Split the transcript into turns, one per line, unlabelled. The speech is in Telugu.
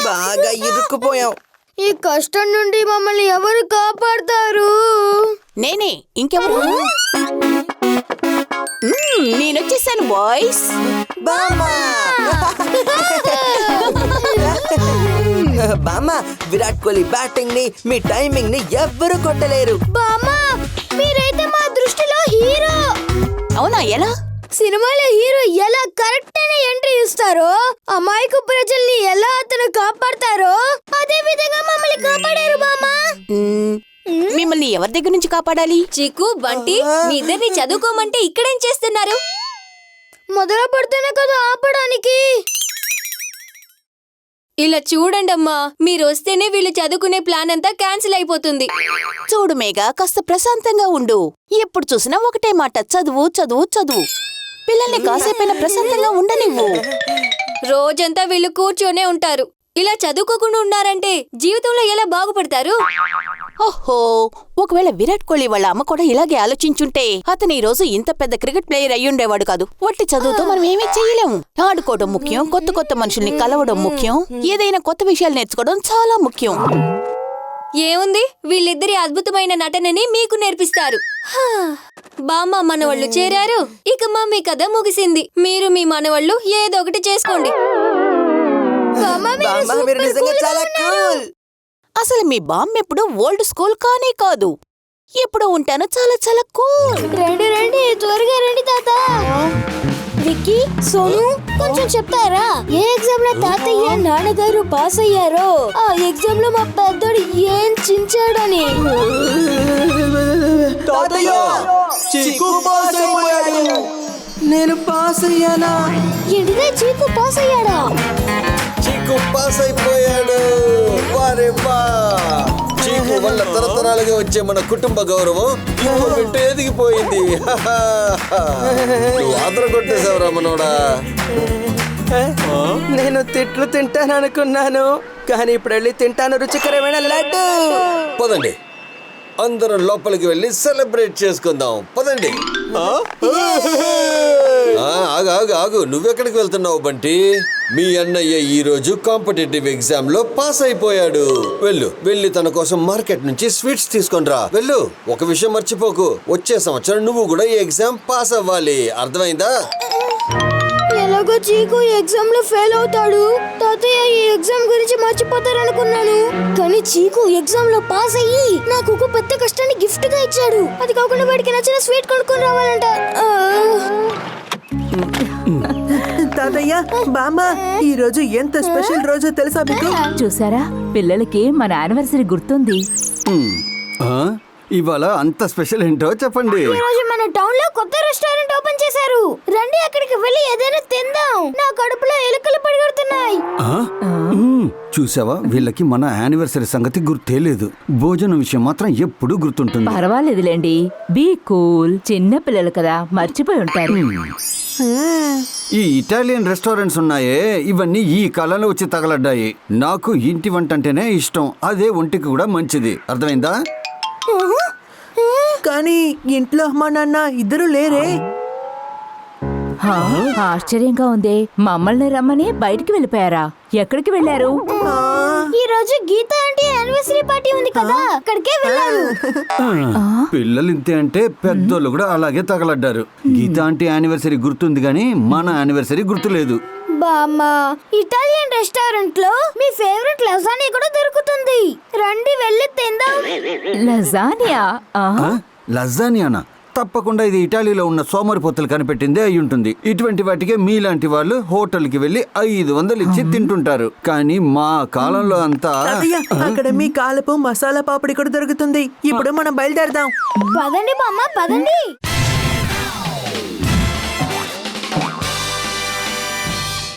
బాగా ఇరుక్కుపోయాం.
ఈ కష్టం నుండి మమ్మల్ని ఎవరు కాపాడతారు?
నేనే, ఇంకెవరు? నేనొచ్చేసాను బాయ్స్.
బామ్మా బామ్మా, విరాట్ కోహ్లీ బ్యాటింగ్ ని, మీ టైమింగ్ ని ఎవ్వరు కొట్టలేరు.
బామ్మా, మీరైతే మా దృష్టిలో హీరో.
అవునా? ఎలా?
సినిమాలో హీరో ఎలా కరెక్ట్ అయిన ఎంట్రీ ఇస్తారో, అమాయకు ప్రజల్ని ఎలా అతను కాపాడతారో అదే విధంగా మమ్మల్ని కాపాడారు బామ్మా.
మిమ్మల్ని ఎవరి దగ్గర నుంచి కాపాడాలి?
చిక్కు, బంటి, మీ ఇద్దరిని చదువుకోమంటే ఇక్కడేం చేస్తున్నారు? మొదలు పడితేనే కదా ఆపడానికి. ఇలా చూడండమ్మా, మీరు వస్తేనే వీళ్ళు చదువుకునే ప్లాన్ అంతా క్యాన్సిల్ అయిపోతుంది.
చూడు మేఘా, కాస్త ప్రశాంతంగా ఉండు. ఎప్పుడు చూసినా ఒకటే మాట, చదువు చదువు చదువు. పిల్లల్ని కాసేపైనా ప్రశాంతంగా ఉండనివ్వు.
రోజంతా వీళ్ళు కూర్చొనే ఉంటారు. ఇలా చదువుకోకుండా ఉన్నారంటే జీవితంలో ఎలా బాగుపడతారు?
ఓహో, ఒకవేళ విరాట్ కోహ్లీ వాళ్ళ అమ్మ కూడా ఇలాగే ఆలోచించుంటే అతను ఈ రోజు ఇంత పెద్ద క్రికెట్ ప్లేయర్ అయ్యుండేవాడు కాదు. వట్టి చదువుతో మనం ఏమీ చెయ్యలేము. ఆడుకోవడం ముఖ్యం, కొత్త కొత్త మనుషుల్ని కలవడం ముఖ్యం, ఏదైనా కొత్త విషయాలు నేర్చుకోవడం చాలా ముఖ్యం.
ఏముంది, వీళ్ళిద్దరి అద్భుతమైన నటనని మీకు నేర్పిస్తారు. బామ్మ మనవాళ్ళు చేరారు, ఇక మమ్మీ కథ ముగిసింది. మీరు మీ మనవాళ్ళు ఏదో ఒకటి చేసుకోండి.
అసలు మీ బామ్మ ఎప్పుడు ఓల్డ్ స్కూల్ కానే కాదు, ఎప్పుడు ఉంటాను చాలా చాలా కూల్.
రండి రండి, త్వరగా రండి తాత. విక్కీ, సోను, కొంచెం చెప్తారా ఏ ఎగ్జామ్ లో తాతయ్య నాన్నగారు పాస్ అయ్యారో? ఆ ఎగ్జామ్ లో మా పెద్దోడు ఏం చించాడని.
నేను పాస్ అయ్యానా?
ఏంటిదే, చీకు పాస్ అయ్యాడా?
చీకు పాస్ అయిపోయాడు. వారే వా! చీకు వల్ల తరతరాలుగా వచ్చే మన కుటుంబ గౌరవం ఇప్పుడు ఎదిగిపోయింది. నువ్వు ఆదర కొట్టేశావురా మనోడా.
నేను తిట్లు తింటాను అనుకున్నాను, కానీ ఇప్పుడు వెళ్ళి తింటాను రుచికరమైన లడ్డు.
పదండి, అందరం లోపలికి వెళ్ళి సెలబ్రేట్ చేసుకుందాం. పదండి. ఆగు ఆగు ఆగు, నువ్వెక్కడికి వెళ్తున్నావు బంటి? మీ అన్నయ్య ఈ రోజు కాంపిటేటివ్ ఎగ్జామ్ లో పాస్ అయిపోయాడు. వెళ్ళి తన కోసం మార్కెట్ నుంచి స్వీట్స్ తీసుకొని రా. వెళ్ళు. ఒక విషయం మర్చిపోకు, వచ్చే సంవత్సరం నువ్వు కూడా ఈ ఎగ్జామ్ పాస్ అవ్వాలి. అర్థమైందా?
ఎలాగో చీకు ఎగ్జామ్ లో ఫెయిల్ అవుతాడు. తాతయ్య ఈ ఎగ్జామ్ గురించి మర్చిపోతారనుకున్నాను, కానీ చీకు ఎగ్జామ్ లో పాస్ అయ్యి నాకు ఒక పెద్ద కష్టాన్ని గిఫ్ట్ గా ఇచ్చాడు. అది కాకుండా వాడికి నచ్చిన స్వీట్ కొనుక్కొని రావాలంట.
తాతయ్య, బామ్మ, ఈ రోజు ఎంత స్పెషల్ రోజో తెలుసా మీకు?
చూసారా, పిల్లలకి మన యానివర్సరీ గుర్తుంది.
ఇవాళ అంత స్పెషల్ ఏంటో చెప్పండి.
ఈ రోజు మన టౌన్ లో కొత్త రెస్టారెంట్ ఓపెన్ చేశారు. రండి అక్కడికి వెళ్ళి ఏదైనా తిందాం. నా కడుపులో ఎలుకలు పరిగెడుతున్నాయి.
చూసావా, వీళ్ళకి మన యానివర్సరీ సంగతి గుర్తే లేదు. భోజనం విషయం మాత్రం ఎప్పుడూ గుర్తుంటుంది.
పర్వాలేదులేండి, బీ కూల్. చిన్న పిల్లలు కదా, మర్చిపోయి ఉంటారు.
ఈ ఇటాలియన్ రెస్టారెంట్స్ ఉన్నాయే, ఇవన్నీ ఈ కాలంలో వచ్చి తగలడ్డాయి. నాకు ఇంటి వంట అంటేనే ఇష్టం, అదే ఒంటికి కూడా మంచిది. అర్థమైందా?
కానీ ఇంట్లో అమ్మా నాన్న ఇద్దరు లేరే.
ఆశ్చర్యంగా ఉంది, మమ్మల్ని రమ్మని బయటికి వెళ్ళిపోయారా? ఎక్కడికి వెళ్ళారు?
ఈ రోజు గీత ఆంటీ యానివర్సరీ పార్టీ ఉంది కదా, అక్కడికే వెళ్ళారు.
పిల్లలు ఇంతే అంటే పెద్దోళ్ళు కూడా అలాగే తగలడ్డారు. గీత ఆంటీ యానివర్సరీ గుర్తుంది గానీ మన యానివర్సరీ గుర్తులేదు.
బామ్మా, ఇటాలియన్ రెస్టారెంట్ లో మీ ఫేవరెట్ లజానియా కూడా దొరుకుతుంది. రండి వెళ్ళి తిందాం.
లజానియా?
లజానియానా? తప్పకుండా ఇది ఇటాలీలో ఉన్న సోమరిపోతులు కనిపెట్టిందే అయి ఉంటుంది. ఇటువంటి వాటికే మీలాంటి వాళ్ళు హోటల్కి వెళ్ళి 500 ఇచ్చి తింటుంటారు. కానీ మా కాలంలో అంతా
అక్కడ మీ కాలపు మసాలా పాపడి కూడా దొరుకుతుంది. ఇప్పుడు మనం బయలుదేరదాం.
పదండి బామ్మ, పదండి.